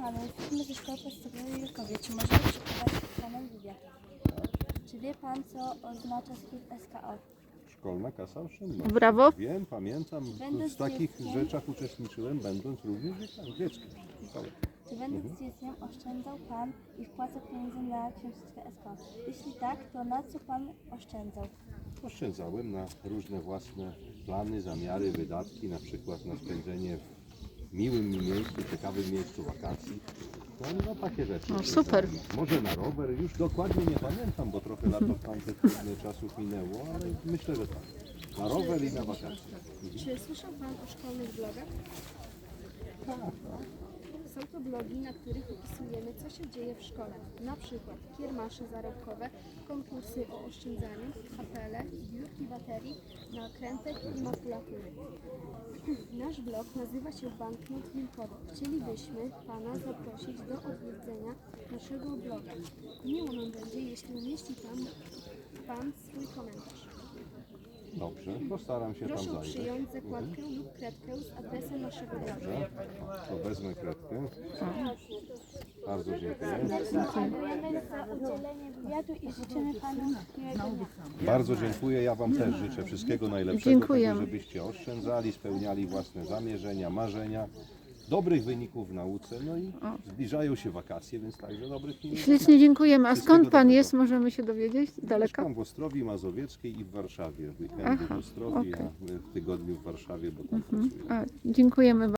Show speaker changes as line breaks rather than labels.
panu, jesteśmy ze szkoły podstawowej w Julkowie. Czy możemy przeprowadzić z panem wywiad? Czy wie pan, co oznacza skrót SKO?
Szkolna kasa oszczędności.
Brawo.
Wiem, pamiętam.
Będąc
W takich
dzieckiem-
rzeczach uczestniczyłem, będąc również dzieckiem. Szkoły.
Czy będąc dzieckiem oszczędzał pan i wpłacał pieniądze na książeczkę SKO? Jeśli tak, to na co pan oszczędzał?
Oszczędzałem na różne własne plany, zamiary, wydatki, na przykład na spędzenie w miłym mi miejscu, ciekawym miejscu wakacji. No takie rzeczy.
No, super.
Może na rower, już dokładnie nie pamiętam, bo trochę lat od tamtych czasów minęło, ale myślę, że tak. Na rower i na wakacje.
Czy słyszał Pan o szkolnych blogach? Są to blogi, na których opisujemy, co się dzieje w szkole. Na przykład kiermasze zarobkowe, konkursy o oszczędzaniu, apele, zbiórki baterii, nakrętek i makulatury. Nasz blog nazywa się Banknot Wilkowy. Chcielibyśmy Pana zaprosić do odwiedzenia naszego bloga. Miło nam będzie, jeśli umieści Pan swój komentarz.
Dobrze, postaram się tam
Proszę
zajrzeć.
przyjąć zakładkę lub kredkę z adresem naszego bloga.
Dobrze, to wezmę kredkę. Bardzo dziękuję.
Dziękujemy za udzielenie wywiadu i życzymy panu miłego dnia.
Bardzo dziękuję. Ja Wam też życzę wszystkiego najlepszego,
Dziękujemy.
tego, żebyście oszczędzali, spełniali własne zamierzenia, marzenia, dobrych wyników w nauce, no i zbliżają się wakacje, więc także dobrych minut.
Ślicznie dziękujemy. A
Wszystkiego
skąd pan
dobrego.
jest? Możemy się dowiedzieć? Z daleka?
Mieszkam w Ostrowi Mazowieckiej i w Warszawie. W weekendy
Aha,
w Ostrowi,
okej.
a w tygodniu w Warszawie, bo tam pracuję.
A, dziękujemy.